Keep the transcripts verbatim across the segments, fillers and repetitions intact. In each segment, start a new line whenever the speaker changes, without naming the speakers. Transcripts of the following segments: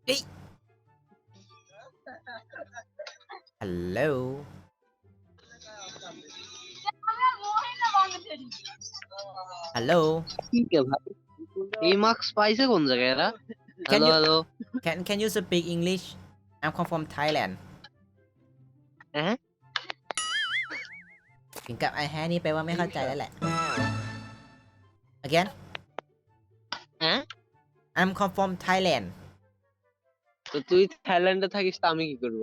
เฮ้ย ฮัลโหล ฮัลโหล
ठीक है भाई ये मार्क्स पाइसे कौन सा कह रहा
Can
hello
you
hello
can can you speak English I'm come from Thailand
हैं
ถึงกับไอแฮนี่แปลว่าไม่เข้าใจแล้วแหละ Again
हैं
I'm come from Thailand
तो তুই থাইল্যান্ডে থাকিস তা আমি কি করব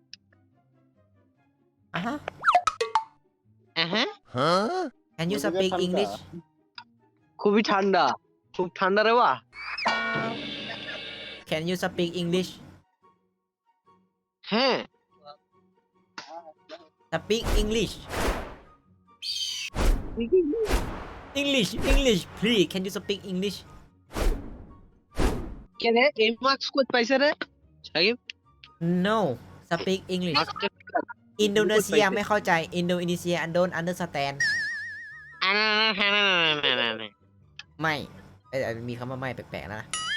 อ่ะฮะ
হ্যাঁ
Can you speak English
খুবই ঠান্ডা খুব ঠান্ডা রে বাহ
Can you speak English
হ্যাঁ
Speak English English English please Can you speak English
কে রে এই মার্কস কত পাইছে রে Shakib
No Speak English Indonesia ไม่เข้าใจ Indonesia I don't understand ไม่เอ้ยมีคำว่าไม่แปลกๆนะ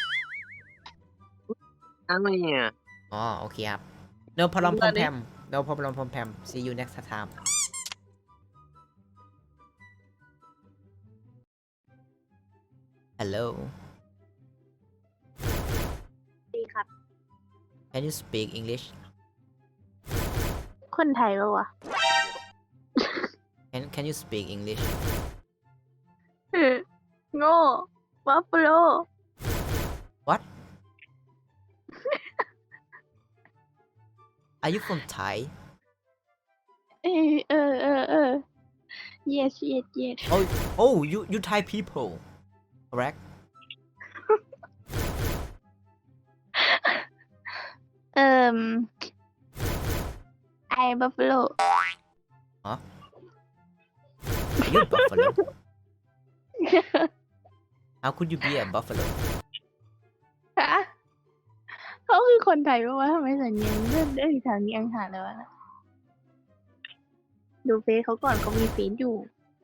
อะไรอ่ะ
อ๋อโอเคครับ No problem พอมแพม No problem พอมแพม See you next time Hello
ดีครับ
Can you speak English
คนไทยปะวะ
Can Can you speak English
เออโง่วัฟเฟโล
What Are you from Thai
เออเออเออเออ yes yes yes
Oh Oh you you Thai people Correct
เอ่มไอบัฟเฟโล
Are you buffalo How could you be a buffalo
ฮะเขาคือคนไทยปะวะทำไมสัญญาณเลื่อนได้ทางนี้อังหาเลยวะนะดูเฟซเขาก่อนเขามีเฟซอยู่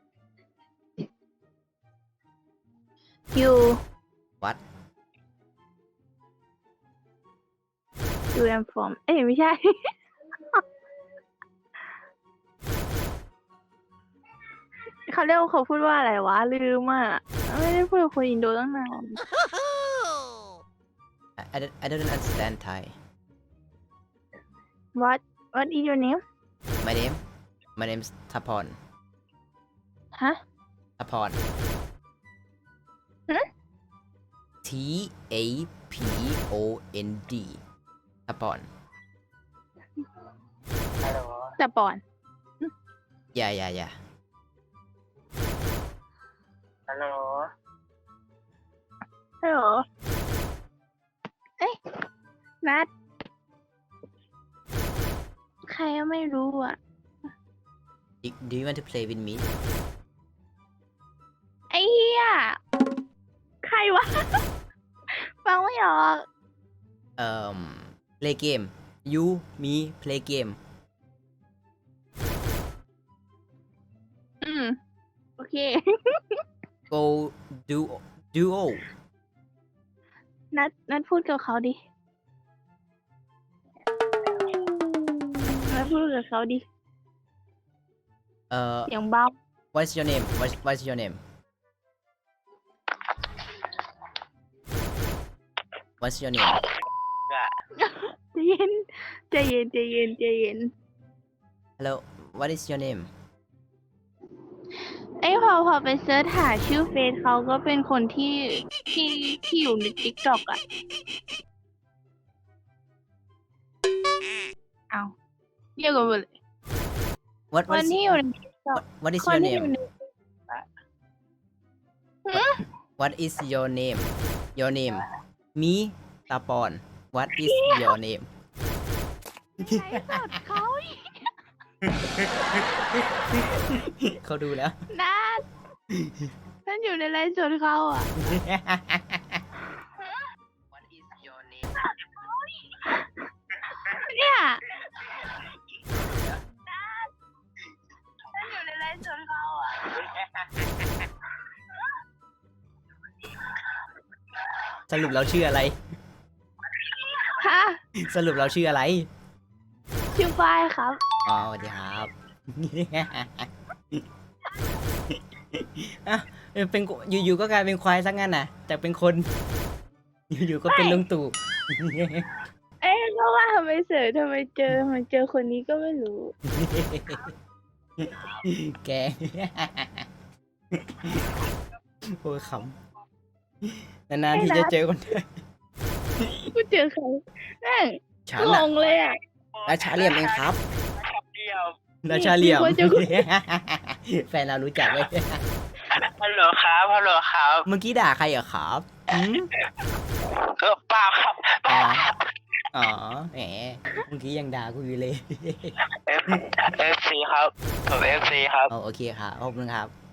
you
What
you am from เอ้ยไม่ใช่ เขาเรียกว่าเขาพูดว่าอะไรวะลืมอ่ะไม่ได้พูดกับคนอินโดตั้งนาน
I, I, don't, I don't understand Thai
what what is your name
My name My name is Thapon
ฮะ
Thapon
ฮะ
T A P O N D Thapon
แต่ปอน
Yeah yeah yeah
ฮัลโหล
ฮัลโหลเอ้ยนัดใครก็ไม่รู้อ่ะ
Do, do you want to play with me
ไอ้เหี้ยใครวะ ฟังไม่ออก
um play game you me play game
อืม โอเค
go do duo
นัดนัดพูดกับเขาดิ นัดพูดกับเขาดิ
uh
เสียงเบา
what's your name what, what's your name what's your name
ใจเย็นใจเย็นใจเย็นใจเย็น
hello what is your name
ไอ้พอพอไปเซิร์ชหาชื่อเฟซเขาก็เป็นคนที่ที่ที่อยู่ในติ๊กต็อกอะเอาเรียกกันหมดเลย
what
ค
what
น
is
ที่อยู่ในติ๊กต็อก
what, what is
คน
your
ที่อยู่
name
ใน
what is your name your name me Tapon what is your name
ไลฟ์สดเขาอีก
เขาดูแล้ว
นัดฉันอยู่ในไลฟ์สดเขาอ่ะ
What is your name
เนี่ยนัดฉันอยู่ในไลฟ์สดเขาอ่ะ
สรุปเราชื่ออะไรสรุปเราชื่ออะไร
ชื่อฝ้ายครับ
อ๋อสวัสดีครับ อ่ะเป็นอยู่ๆก็กลายเป็นควายซะงั้นน่ะแต่เป็นคน อยู่ๆก็เป็นลุงตู่
เอ๊ะก็ว่าทำไมเสือทำไมเจอทำไมเจอคนนี้ก็ไม่รู้
แก โอ้ยขำนานๆที่จะเจอคนไทย
กูเจอใครแม่ง
ฉัน
ง
อะ
งเลยอ่ะ
ราชาเหลี่ยมเองครับราชาเหลี่ยม
มีคนจะ
แฟนเรารู้จักไหม
ฮัลโหลครับฮัลโหลครับ
เมื่อกี้ด่าใครเหรอครับหืม
เออเปล่าครับเป
อ๋อ
ล่าครับ
อ๋อแหมเมื่อกี้ยังด่ากูอยู่เลย
เอฟเอฟซีครับผมเอฟซีครับ
อ๋อโอเคครับขอบคุณครับ